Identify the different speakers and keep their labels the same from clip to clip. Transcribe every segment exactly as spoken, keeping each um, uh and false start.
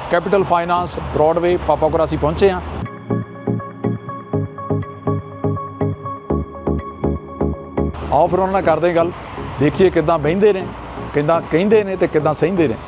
Speaker 1: Capital finance Broadway ਪਾਪਾਕੋਰਾ ਅਸੀਂ ਪਹੁੰਚੇ ਹਾਂ। ਆਓ ਫਿਰ ਉਹਨਾਂ ਨਾਲ ਕਰਦੇ ਗੱਲ, ਦੇਖੀਏ ਕਿੱਦਾਂ ਬਹਿੰਦੇ ਨੇ, ਕਿੱਦਾਂ ਕਹਿੰਦੇ ਨੇ ਤੇ ਕਿੱਦਾਂ ਸਹਿੰਦੇ ਨੇ।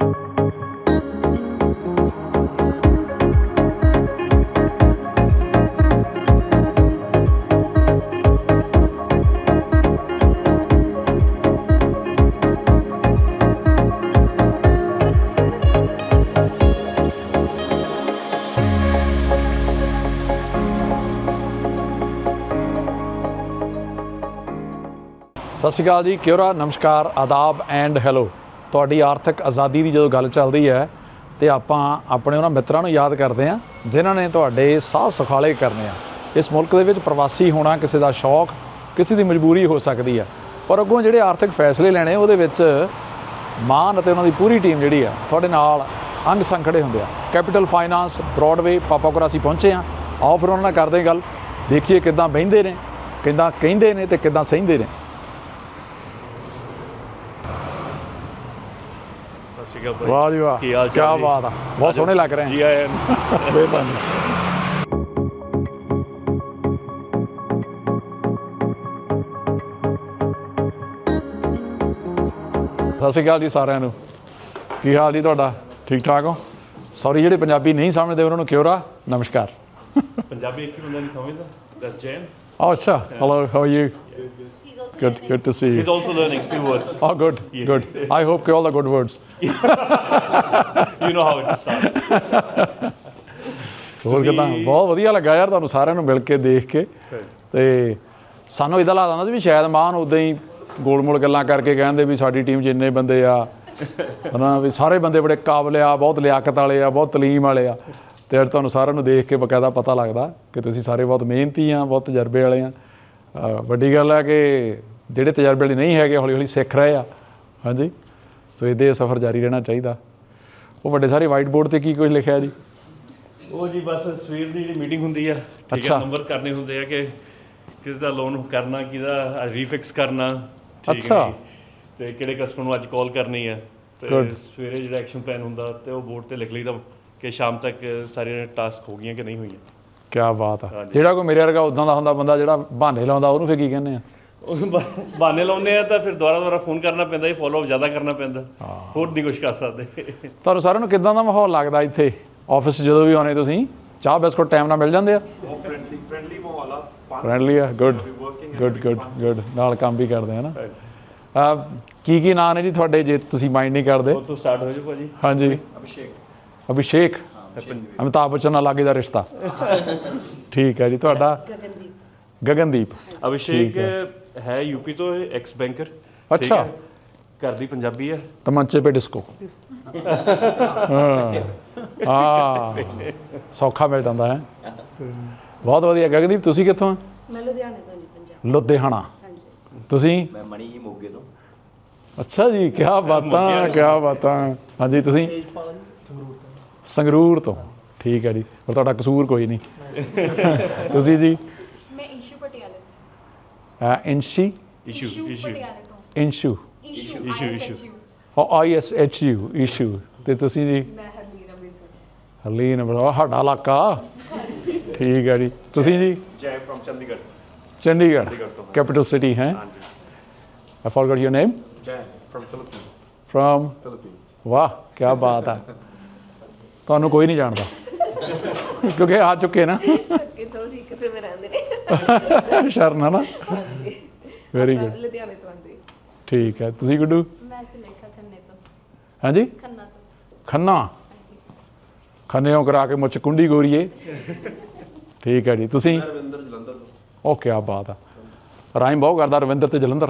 Speaker 1: ਸਤਿ ਸ਼੍ਰੀ ਅਕਾਲ ਜੀ, ਕਿਉਰਾ, ਨਮਸਕਾਰ, ਆਦਾਬ ਐਂਡ ਹੈਲੋ। ਤੁਹਾਡੀ ਆਰਥਿਕ ਆਜ਼ਾਦੀ ਦੀ ਜਦੋਂ ਗੱਲ ਚੱਲਦੀ ਹੈ ਤੇ ਆਪਾਂ ਆਪਣੇ ਉਹਨਾਂ ਮਿੱਤਰਾਂ ਨੂੰ ਯਾਦ ਕਰਦੇ ਹਾਂ ਜਿਨ੍ਹਾਂ ਨੇ ਤੁਹਾਡੇ ਸਾਹ ਸੁਖਾਲੇ ਕਰਨੇ ਆ। ਇਸ ਮੁਲਕ ਦੇ ਵਿੱਚ ਪ੍ਰਵਾਸੀ ਹੋਣਾ ਕਿਸੇ ਦਾ ਸ਼ੌਕ, ਕਿਸੇ ਦੀ ਮਜਬੂਰੀ ਹੋ ਸਕਦੀ ਆ, ਪਰ ਅੱਗੋਂ ਜਿਹੜੇ ਆਰਥਿਕ ਫੈਸਲੇ ਲੈਣੇ ਉਹਦੇ ਵਿੱਚ ਮਾਨ ਅਤੇ ਉਹਨਾਂ ਦੀ ਪੂਰੀ ਟੀਮ ਜਿਹੜੀ ਆ ਤੁਹਾਡੇ ਨਾਲ ਅੰਗ ਸੰਗ ਖੜੇ ਹੁੰਦੇ ਆ। ਕੈਪੀਟਲ ਫਾਈਨਾਂਸ ਬ੍ਰੌਡਵੇ ਪਾਪਾਕੋਰਾ ਅਸੀਂ ਪਹੁੰਚੇ ਹਾਂ। ਆਓ ਫਿਰ ਉਹਨਾਂ ਨਾਲ ਕਰਦੇ ਗੱਲ, ਦੇਖੀਏ ਕਿੱਦਾਂ ਬਹਿੰਦੇ ਨੇ, ਕਿੱਦਾਂ ਕਹਿੰਦੇ ਨੇ ਤੇ ਕਿੱਦਾਂ ਸਹਿੰਦੇ ਨੇ। ਵਾਹ ਜੀ ਵਾਹ, ਕਿਆ ਬਾਤ ਆ, ਬਹੁਤ ਸੋਹਣੇ ਲੱਗ ਰਹੇ
Speaker 2: ਜੀ ਆਇਆਂ
Speaker 1: ਮਿਹਰਬਾਨੀ। ਸਤਿ ਸ਼੍ਰੀ ਅਕਾਲ ਜੀ ਸਾਰਿਆਂ ਨੂੰ, ਕੀ ਹਾਲ ਜੀ ਤੁਹਾਡਾ? ਠੀਕ ਠਾਕ ਹੋ? ਸੌਰੀ ਜਿਹੜੇ ਪੰਜਾਬੀ ਨਹੀਂ ਸਮਝਦੇ ਉਹਨਾਂ ਨੂੰ ਕਿਉਰਾ, ਨਮਸਕਾਰ।
Speaker 2: ਪੰਜਾਬੀ ਇੱਕ ਹੀ ਬੰਦਾ ਨਹੀਂ ਸਮਝਦਾ, ਦੈਟਸ ਜੈਨ।
Speaker 1: Oh, ਅੱਛਾ, hello, how are you? Good, good to see you.
Speaker 2: He's also learning few words.
Speaker 1: Oh, good,
Speaker 2: Yes.
Speaker 1: good. I hope all the good words.
Speaker 2: You know how it starts.
Speaker 1: ਹੋਰ ਕਿੱਦਾਂ? ਬਹੁਤ ਵਧੀਆ ਲੱਗਾ ਯਾਰ ਤੁਹਾਨੂੰ ਸਾਰਿਆਂ ਨੂੰ ਮਿਲ ਕੇ, ਦੇਖ ਕੇ। ਤੇ ਸਾਨੂੰ ਇੱਦਾਂ ਲੱਗਦਾ ਹੁੰਦਾ ਸੀ ਵੀ ਸ਼ਾਇਦ ਮਾਨ ਉੱਦਾਂ ਹੀ ਗੋਲ ਮੋਲ ਗੱਲਾਂ ਕਰਕੇ ਕਹਿੰਦੇ ਵੀ ਸਾਡੀ ਟੀਮ 'ਚ ਇੰਨੇ ਬੰਦੇ ਆ ਹੈ ਨਾ, ਵੀ ਸਾਰੇ ਬੰਦੇ ਬੜੇ ਕਾਬਲ ਆ, ਬਹੁਤ ਲਿਆਕਤ ਵਾਲੇ ਆ, ਬਹੁਤ ਤਲੀਮ ਵਾਲੇ ਆ। ਅਤੇ ਅੱਜ ਤੁਹਾਨੂੰ ਸਾਰਿਆਂ ਨੂੰ ਦੇਖ ਕੇ ਬਕਾਇਦਾ ਪਤਾ ਲੱਗਦਾ ਕਿ ਤੁਸੀਂ ਸਾਰੇ ਬਹੁਤ ਮਿਹਨਤੀ ਆ, ਬਹੁਤ ਤਜਰਬੇ ਵਾਲੇ ਆ। ਵੱਡੀ ਗੱਲ ਹੈ ਕਿ ਜਿਹੜੇ ਤਜਰਬੇ ਵਾਲੇ ਨਹੀਂ ਹੈਗੇ ਹੌਲੀ ਹੌਲੀ ਸਿੱਖ ਰਹੇ ਆ। ਹਾਂਜੀ, ਸੋ ਇਹਦੇ ਸਫ਼ਰ ਜਾਰੀ ਰਹਿਣਾ ਚਾਹੀਦਾ। ਉਹ ਵੱਡੇ ਸਾਰੇ ਵਾਈਟ ਬੋਰਡ 'ਤੇ ਕੀ ਕੁਝ ਲਿਖਿਆ ਜੀ?
Speaker 2: ਉਹ ਜੀ ਬਸ ਸਵੇਰ ਦੀ ਜਿਹੜੀ ਮੀਟਿੰਗ ਹੁੰਦੀ ਆ, ਅੱਛਾ, ਨੰਬਰ ਕਰਨੇ ਹੁੰਦੇ ਆ ਕਿ ਕਿਸ ਦਾ ਲੋਨ ਕਰਨਾ, ਕਿਹਦਾ ਰੀਫਿਕਸ ਕਰਨਾ,
Speaker 1: ਅੱਛਾ,
Speaker 2: ਤੇ ਕਿਹੜੇ ਕਸਟਮਰ ਨੂੰ ਅੱਜ ਕਾਲ ਕਰਨੀ ਆ। ਤੇ ਸਵੇਰੇ ਜਿਹੜਾ ਐਕਸ਼ਨ ਪਲਾਨ ਹੁੰਦਾ ਤੇ ਉਹ ਬੋਰਡ ਤੇ ਲਿਖ ਲਈਦਾ ਕਿ ਸ਼ਾਮ ਤੱਕ ਸਾਰੀਆਂ ਟਾਸਕ ਹੋ ਗਈਆਂ ਕਿ ਨਹੀਂ ਹੋਈਆਂ। ਕਿਆ ਬਾਤ ਆ। ਜਿਹੜਾ ਕੋਈ ਮੇਰੇ ਵਰਗਾ ਉੱਦਾਂ ਦਾ ਹੁੰਦਾ ਬੰਦਾ ਜਿਹੜਾ ਬਹਾਨੇ ਲਾਉਂਦਾ, ਉਹਨੂੰ ਫਿਰ ਕੀ ਕਹਿੰਦੇ ਆ? ਬਹਾਨੇ ਲਾਉਂਦੇ ਆ ਤਾਂ ਫਿਰ ਦੁਬਾਰਾ ਦੁਬਾਰਾ ਫੋਨ ਕਰਨਾ ਪੈਂਦਾ, ਇਹ ਫੋਲੋ ਅਪ ਜ਼ਿਆਦਾ ਕਰਨਾ ਪੈਂਦਾ, ਹੋਰ ਨਹੀਂ ਕੁਛ ਕਰ ਸਕਦੇ। ਤੁਹਾਨੂੰ ਸਾਰਿਆਂ ਨੂੰ ਕਿੱਦਾਂ ਦਾ ਮਾਹੌਲ ਲੱਗਦਾ ਇੱਥੇ ਆਫਿਸ ਜਦੋਂ ਵੀ ਆਉਂਦੇ ਤੁਸੀਂ? ਚਾਹ ਬਿਸਕੁਟ ਟਾਈਮ ਨਾਲ ਮਿਲ ਜਾਂਦੇ ਆ? ਫ੍ਰੈਂਡਲੀ ਮਾਹੌਲ ਆ,
Speaker 1: ਫ੍ਰੈਂਡਲੀ ਆ, ਗੁੱਡ ਗੁੱਡ ਗੁੱਡ ਗੁੱਡ। ਨਾਲ ਕੰਮ ਵੀ ਕਰਦੇ ਆ ਨਾ। ਕੀ ਕੀ ਨਾਂ ਨੇ ਜੀ ਤੁਹਾਡੇ, ਜੇ ਤੁਸੀਂ ਮਾਈਂਡ ਨਹੀਂ ਕਰਦੇ?
Speaker 2: ਉੱਥੋਂ ਸਟਾਰਟ ਹੋ ਜਾਓ ਭਾਜੀ।
Speaker 1: ਹਾਂਜੀ, ਅਭਿਸ਼ੇਕ। ਅਭਿਸ਼ੇਕ, ਅਮਿਤਾਭ ਬੱਚਨ ਨਾਲ ਲਾਗੇ ਦਾ ਰਿਸ਼ਤਾ। ਠੀਕ ਹੈ ਜੀ। ਤੁਹਾਡਾ? ਗਗਨਦੀਪ। ਗਗਨਦੀਪ।
Speaker 2: ਅਭਿਸ਼ੇਕ ਹੈ ਯੂਪੀ ਤੋਂ, ਐਕਸ ਬੈਂਕਰ।
Speaker 1: ਅੱਛਾ,
Speaker 2: ਘਰ ਦੀ ਪੰਜਾਬੀ ਹੈ।
Speaker 1: ਤਮੰਚੇ ਪੇ ਡਿਸਕੋ। ਹਾਂ, ਸੌਖਾ ਮਿਲ ਜਾਂਦਾ ਹੈ। ਬਹੁਤ ਵਧੀਆ। ਗਗਨਦੀਪ, ਤੁਸੀਂ ਕਿੱਥੋਂ ਆ?
Speaker 3: ਮੈਂ ਲੁਧਿਆਣੇ ਤੋਂ ਜੀ, ਪੰਜਾਬ।
Speaker 1: ਲੁਧਿਆਣਾ।
Speaker 3: ਹਾਂਜੀ। ਤੁਸੀਂ?
Speaker 4: ਮੈਂ ਮਣੀ ਜੀ, ਮੋਗੇ ਤੋਂ।
Speaker 1: ਅੱਛਾ ਜੀ, ਕਿਆ ਬਾਤਾਂ, ਕਿਆ ਬਾਤਾਂ। ਹਾਂਜੀ, ਤੁਸੀਂ? ਸੰਗਰੂਰ ਤੋਂ। ਠੀਕ ਹੈ ਜੀ, ਪਰ ਤੁਹਾਡਾ ਕਸੂਰ ਕੋਈ ਨਹੀਂ। ਤੁਸੀਂ ਜੀ?
Speaker 3: ਮੈਂ ਇਸ਼ੂ ਪਟਿਆਲੇ
Speaker 1: ਤੋਂ। ਇੰਸ਼ੀ?
Speaker 2: ਇਸ਼ੂ ਇਸ਼ੂ
Speaker 3: ਪਟਿਆਲੇ ਤੋਂ।
Speaker 1: Inshu.
Speaker 3: Ishu
Speaker 2: Ishu Ishu
Speaker 1: I S H U, Ishu. ਅਤੇ ਤੁਸੀਂ ਜੀ?
Speaker 3: ਮੈਂ ਹਰਲੀਨ ਅੰਮ੍ਰਿਤਸਰ।
Speaker 1: ਹਰਲੀਨ, ਬੜਾ ਸਾਡਾ ਇਲਾਕਾ। ਠੀਕ ਹੈ ਜੀ। ਤੁਸੀਂ ਜੀ?
Speaker 2: Jai from Chandigarh.
Speaker 1: Chandigarh, capital city ਹੈ। I forgot your name?
Speaker 5: Jan from Philippines.
Speaker 1: From?
Speaker 5: Philippines.
Speaker 1: ਵਾਹ, ਕਿਆ ਬਾਤ ਹੈ। ਤੁਹਾਨੂੰ ਕੋਈ ਨਹੀਂ ਜਾਣਦਾ ਕਿਉਂਕਿ ਆ ਚੁੱਕੇ ਨਾ।
Speaker 3: ਚਲੋ ਠੀਕ ਹੈ, ਫਿਰ ਮੈਂ ਰਹਿੰਦੇ ਨੇ।
Speaker 1: ਸ਼ਰਨ ਹੈ ਨਾ। Very good.
Speaker 3: ਲੁਧਿਆਣੇ ਤੋਂ। ਹਾਂਜੀ।
Speaker 1: ਠੀਕ ਹੈ। ਤੁਸੀਂ ਗੁੱਡੂ?
Speaker 3: ਮੈਂ ਸੁਲੇਖਾ ਖੰਨੇ ਤੋਂ।
Speaker 1: ਹਾਂਜੀ?
Speaker 3: ਖੰਨਾ ਤੋਂ।
Speaker 1: ਖੰਨਾ। ਖੰਨਿਓਂ ਕਰਾ ਕੇ ਮੁੱਛ ਕੁੰਡੀ ਗੋਰੀਏ। ਠੀਕ ਹੈ ਜੀ। ਤੁਸੀਂ?
Speaker 5: ਰਵਿੰਦਰ ਜਲੰਧਰ ਤੋਂ।
Speaker 1: ਉਹ ਕਿਆ ਬਾਤ ਆ, ਰਾਈਮ ਬਹੁਤ ਕਰਦਾ, ਰਵਿੰਦਰ ਤੇ ਜਲੰਧਰ।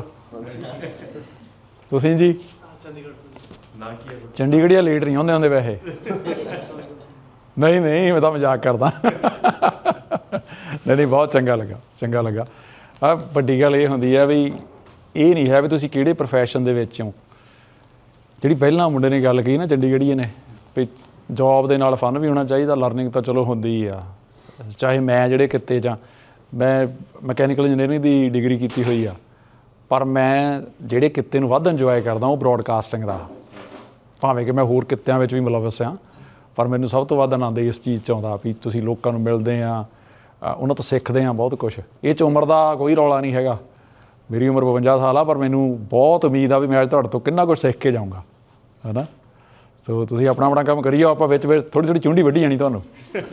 Speaker 1: ਤੁਸੀਂ ਜੀ? ਚੰਡੀਗੜ੍ਹ ਲੇਟ ਨਹੀਂ ਆਉਂਦੇ ਹੁੰਦੇ ਵੈਸੇ। ਨਹੀਂ ਨਹੀਂ, ਮੈਂ ਤਾਂ ਮਜ਼ਾਕ ਕਰਦਾ। ਨਹੀਂ ਨਹੀਂ, ਬਹੁਤ ਚੰਗਾ ਲੱਗਾ, ਚੰਗਾ ਲੱਗਾ। ਆ ਵੱਡੀ ਗੱਲ ਇਹ ਹੁੰਦੀ ਹੈ ਵੀ ਇਹ ਨਹੀਂ ਹੈ ਵੀ ਤੁਸੀਂ ਕਿਹੜੇ ਪ੍ਰੋਫੈਸ਼ਨ ਦੇ ਵਿੱਚ ਹੋ। ਜਿਹੜੀ ਪਹਿਲਾਂ ਮੁੰਡੇ ਨੇ ਗੱਲ ਕਹੀ ਨਾ ਚੰਡੀਗੜ੍ਹੀਏ ਨੇ, ਵੀ ਜੋਬ ਦੇ ਨਾਲ ਫਨ ਵੀ ਹੋਣਾ ਚਾਹੀਦਾ, ਲਰਨਿੰਗ ਤਾਂ ਚਲੋ ਹੁੰਦੀ ਆ। ਚਾਹੇ ਮੈਂ ਜਿਹੜੇ ਕਿੱਤੇ 'ਚ ਮੈਂ ਮਕੈਨੀਕਲ ਇੰਜੀਨੀਅਰਿੰਗ ਦੀ ਡਿਗਰੀ ਕੀਤੀ ਹੋਈ ਆ, ਪਰ ਮੈਂ ਜਿਹੜੇ ਕਿੱਤੇ ਨੂੰ ਵੱਧ ਇੰਜੋਏ ਕਰਦਾ ਉਹ ਬਰੋਡਕਾਸਟਿੰਗ ਦਾ। ਭਾਵੇਂ ਕਿ ਮੈਂ ਹੋਰ ਕਿੱਤਿਆਂ ਵਿੱਚ ਵੀ ਮੁਲਵਸ ਹਾਂ, ਪਰ ਮੈਨੂੰ ਸਭ ਤੋਂ ਵੱਧ ਆਨੰਦ ਇਸ ਚੀਜ਼ 'ਚ ਆਉਂਦਾ ਵੀ ਤੁਸੀਂ ਲੋਕਾਂ ਨੂੰ ਮਿਲਦੇ ਆ, ਅ, ਉਹਨਾਂ ਤੋਂ ਸਿੱਖਦੇ ਆ ਬਹੁਤ ਕੁਝ। ਇਹ 'ਚ ਉਮਰ ਦਾ ਕੋਈ ਰੌਲਾ ਨਹੀਂ ਹੈਗਾ। ਮੇਰੀ ਉਮਰ ਬਵੰਜਾ ਸਾਲ ਆ, ਪਰ ਮੈਨੂੰ ਬਹੁਤ ਉਮੀਦ ਆ ਵੀ ਮੈਂ ਅੱਜ ਤੁਹਾਡੇ ਤੋਂ ਕਿੰਨਾ ਕੁਝ ਸਿੱਖ ਕੇ ਜਾਊਂਗਾ, ਹੈ ਨਾ। ਸੋ ਤੁਸੀਂ ਆਪਣਾ ਆਪਣਾ ਕੰਮ ਕਰੀ ਜਾਓ, ਆਪਾਂ ਵਿੱਚ ਵਿੱਚ ਥੋੜ੍ਹੀ ਥੋੜ੍ਹੀ ਚੁੰਡੀ ਵੱਢੀ ਜਾਣੀ ਤੁਹਾਨੂੰ।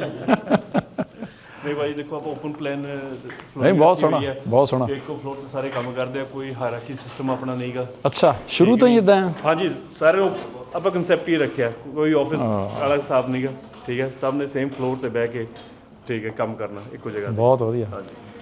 Speaker 2: ਨਹੀਂ ਭਾਈ ਦੇਖੋ ਆਪਾਂ ਓਪਨ ਪਲਾਨ
Speaker 1: ਨਹੀਂ, ਬਹੁਤ ਸੋਹਣਾ, ਬਹੁਤ ਸੋਹਣਾ।
Speaker 2: ਇੱਕੋ ਫਲੋਰ ਤੇ ਸਾਰੇ ਕੰਮ ਕਰਦੇ ਆ, ਕੋਈ ਹਾਇਰਾਰਕੀ ਸਿਸਟਮ ਆਪਣਾ ਨਹੀਂਗਾ।
Speaker 1: ਅੱਛਾ, ਸ਼ੁਰੂ ਤੋਂ ਹੀ ਇਦਾਂ ਆ?
Speaker 2: ਹਾਂਜੀ, ਸਾਰੇ ਉਹ ਆਪਾਂ ਕਨਸੈਪਟ ਹੀ ਰੱਖਿਆ, ਕੋਈ ਆਫਿਸ ਵਾਲਾ ਹਿਸਾਬ ਨਹੀਂਗਾ। ਠੀਕ ਹੈ, ਸਭ ਨੇ ਸੇਮ ਫਲੋਰ ਤੇ ਬਹਿ ਕੇ ਠੀਕ ਹੈ ਕੰਮ ਕਰਨਾ ਇੱਕੋ ਜਗ੍ਹਾ ਤੇ।
Speaker 1: ਬਹੁਤ ਵਧੀਆ।
Speaker 2: ਹਾਂਜੀ।